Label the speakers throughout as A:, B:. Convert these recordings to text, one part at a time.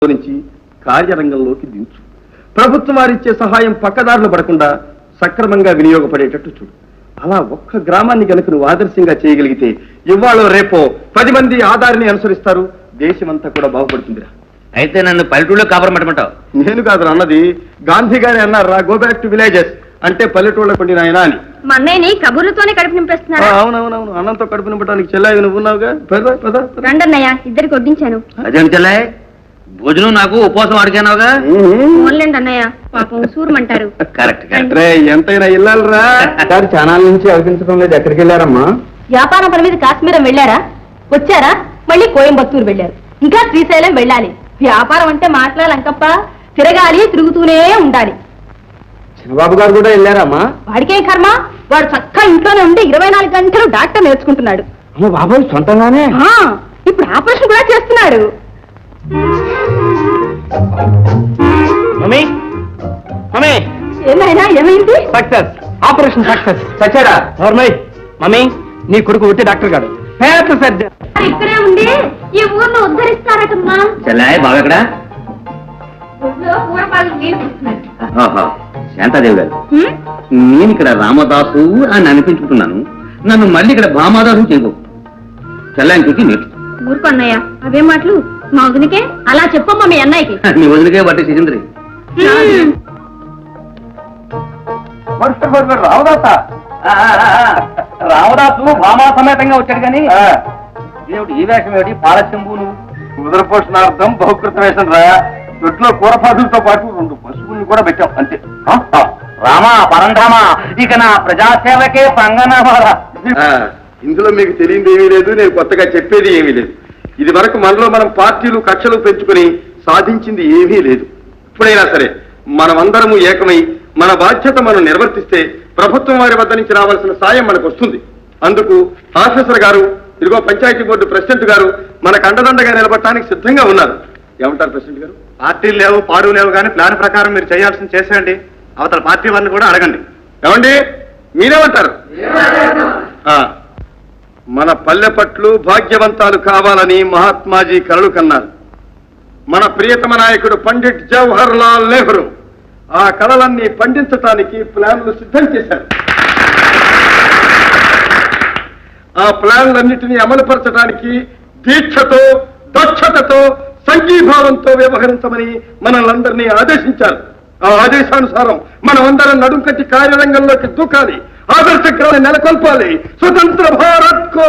A: నుంచి కార్యరంగంలోకి దించు. ప్రభుత్వం వారిచ్చే సహాయం పక్కదారులు పడకుండా సక్రమంగా వినియోగపడేటట్టు చూడు. అలా ఒక్క గ్రామాన్ని గనుక నువ్వు ఆదర్శంగా చేయగలిగితే ఇవాళ రేపో 10 మంది ఆధారిని అనుసరిస్తారు, దేశమంతా కూడా బాగుపడుతుందిరా.
B: అయితే నన్ను పల్లెటూళ్ళలో కాపురం పెట్టమంటావు?
A: నేను కాదు అన్నది, గాంధీ గారి అన్నారా, గో బ్యాక్ టు విలేజెస్ అంటే పల్లెటూళ్ళ పండిన ఆయన అని.
C: మా అన్నయ్యని కబుర్లతోనే కడుపు నింపేస్తున్నారు.
A: అవునవునవును, అన్నంతో కడుపు నింపడానికి చెల్లాయి నువ్వు ఉన్నావుగా.
C: రండి అన్నయ్య, ఇద్దరికి వడ్డించాను.
B: అదేంటి చెల్లాయి, భోజనం నాకు ఉపవాసం అడిగానావుగా.
C: ఓన్లేండి అన్నయ్య, పాపం సూరమంటారు.
B: కరెక్ట్.
A: ఎంతైనా ఇల్లాలరా. చాలా నుంచి అనిపించడం లేదు, ఎక్కడికి వెళ్ళారమ్మా?
C: వ్యాపారం పని మీద కాశ్మీరం వెళ్ళారా? వచ్చారా? మళ్ళీ కోయంబత్తూరు వెళ్ళారు, ఇంకా శ్రీశైలం వెళ్ళాలి. వ్యాపారం అంటే మాట్లాడాలంకప్ప, తిరగాలి, తిరుగుతూనే ఉండాలి.
A: చిన్నబాబు గారు కూడా వెళ్ళారమ్మా?
C: వాడికేం కర్మ, వాడు చక్కగా ఇంట్లోనే ఉండి 24 గంటలు డాక్టర్ నేర్చుకుంటున్నాడు.
A: బాబాయ్ సొంతంగానే
C: ఇప్పుడు ఆపరేషన్ కూడా చేస్తున్నాడు.
B: మమ్మీ మమ్మీ,
C: ఏమైనా ఏమైంది?
A: Success, operation success. సచ్చారా?
B: మమ్మీ,
A: నీ కొడుకు ఒట్టి డాక్టర్ గారు, పేద సర్జన్.
C: ఇక్కడే ఉండి ఈ ఊర్లో ఉద్ధరిస్తారటమ్మా.
B: చెల్లాయి బాబు ఎక్కడ? శాంతాదేవి గారు, నేను ఇక్కడ రామదాసు అని అనిపించుకుంటున్నాను, నన్ను మళ్ళీ ఇక్కడ భామాదాసు చేయకు. చెల్లాయిని చూసి నేర్చు.
C: ఊరుకో అన్నయ్య, అవే మాటలు మా వదినకే అలా చెప్పమ్మా మీ అన్నయ్యకి.
B: నీ వదిలికే బట్టి సిగింద్రి. రామదాసు భామా సమేతంగా వచ్చాడు కానీ ఏమిటి ఈ వేషం, ఏమిటి పాలశంభు? నువ్వు
A: ఉదరపోషణార్థం బహుకృత వేషం రా. దొడ్లో కూరపాదులతో పాటు 2 పశువుల్ని కూడా పెట్టాం అంతే.
B: రామా పరంధామా, ఇక నా ప్రజాసేవకే పంగనామారా.
A: ఇందులో మీకు తెలియంది ఏమీ లేదు, నేను కొత్తగా చెప్పేది ఏమీ లేదు. ఇది వరకు మనలో మనం పార్టీలు కక్షలు పెంచుకుని సాధించింది ఏమీ లేదు. ఇప్పుడైనా సరే మనమందరము ఏకమై మన బాధ్యత మనం నిర్వర్తిస్తే ప్రభుత్వం వారి వద్ద నుంచి రావాల్సిన సాయం మనకు వస్తుంది. అందుకు ఆఫీసర్ గారు, ఇదిగో పంచాయతీ బోర్డు ప్రెసిడెంట్ గారు మనకు అండదండగా నిలబడటానికి సిద్ధంగా ఉన్నారు. ఏమంటారు ప్రెసిడెంట్ గారు?
D: పార్టీలు లేవు, పాడు లేవు, కానీ ప్లాన్ ప్రకారం మీరు చేయాల్సింది చేసేయండి. అవతల పార్టీ వారిని కూడా అడగండి.
A: ఏమండి, మీరేమంటారు? మన పల్లె పట్లు భాగ్యవంతాలు కావాలని మహాత్మాజీ కలలు కన్నారు. మన ప్రియతమ నాయకుడు పండిట్ జవహర్ లాల్ నెహ్రూ ఆ కళలన్నీ పండించటానికి ప్లాన్లు సిద్ధం చేశారు. ఆ ప్లాన్లన్నిటినీ అమలుపరచడానికి దీక్షతో, దక్షతతో, సంఘీభావంతో వ్యవహరించమని మనల్ని ఆదేశించారు. ఆ ఆదేశానుసారం మనమందరం నడుం కట్టి కార్యరంగంలోకి దూకాలి, ఆదర్శక్రాన్ని నెలకొల్పాలి. స్వతంత్ర భారత్ కో,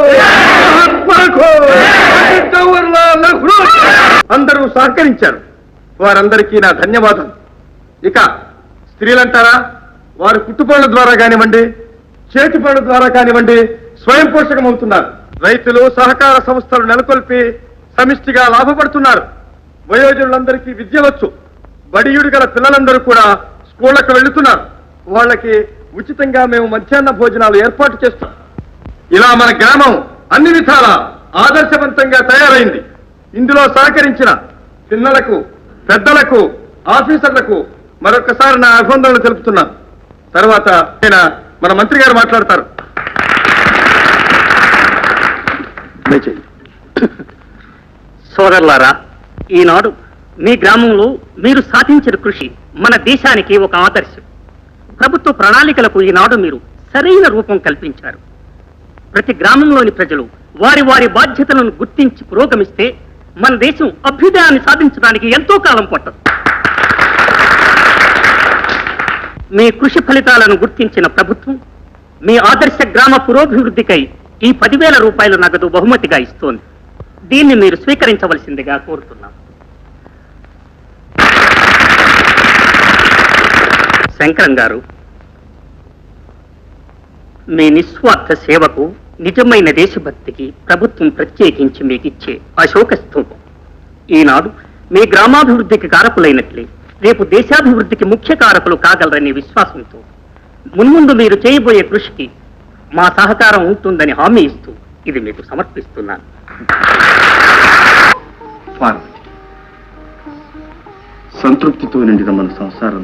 A: జవహర్లాల్ నెహ్రూ అందరూ సహకరించారు. వారందరికీ నా ధన్యవాదాలు. ఇక స్త్రీలంటారా, వారు కుట్టుపనుల ద్వారా కానివ్వండి, చేతి పనుల ద్వారా కానివ్వండి స్వయం పోషకమవుతున్నారు. రైతులు సహకార సంస్థలు నెలకొల్పి సమిష్టిగా లాభపడుతున్నారు. వయోజనులందరికీ విద్య వచ్చు. బడియుడు గల పిల్లలందరూ కూడా స్కూళ్లకు వెళ్తున్నారు. వాళ్ళకి ఉచితంగా మేము మధ్యాహ్న భోజనాలు ఏర్పాటు చేస్తాం. ఇలా మన గ్రామం అన్ని విధాల ఆదర్శవంతంగా తయారైంది. ఇందులో సహకరించిన పిల్లలకు, పెద్దలకు, ఆఫీసర్లకు మరొకసారి నా అభినందనలు తెలుపుతున్నాను. తర్వాత మన మంత్రి గారు మాట్లాడతారు.
E: సోదరులారా, ఈనాడు మీ గ్రామంలో మీరు సాధించిన కృషి మన దేశానికి ఒక ఆదర్శం. ప్రభుత్వ ప్రణాళికలకు ఈనాడు మీరు సరైన రూపం కల్పించారు. ప్రతి గ్రామంలోని ప్రజలు వారి వారి బాధ్యతలను గుర్తించి పురోగమిస్తే మన దేశం అభ్యుదయాన్ని సాధించడానికి ఎంతో కాలం పట్టదు. మీ కృషి ఫలితాలను గుర్తించిన ప్రభుత్వం మీ ఆదర్శ గ్రామ పురోభివృద్ధికై ఈ 10,000 రూపాయల నగదు బహుమతిగా ఇస్తోంది. దీన్ని మీరు స్వీకరించవలసిందిగా కోరుతున్నాం. శంకరం గారు, మీ నిస్వార్థ సేవకు, నిజమైన దేశభక్తికి ప్రభుత్వం ప్రత్యేకించి మీకు ఇచ్చే అశోక స్తూపం. ఈనాడు మీ గ్రామాభివృద్ధికి కారకులైనట్లే రేపు దేశాభివృద్ధికి ముఖ్య కారకులు కాగలరనే విశ్వాసంతో మున్ముందు మీరు చేయబోయే కృషికి మా సహకారం ఉంటుందని హామీ ఇస్తూ ఇది మీకు సమర్పిస్తున్నాను.
A: సంతృప్తితో నిండిన మన సంసారం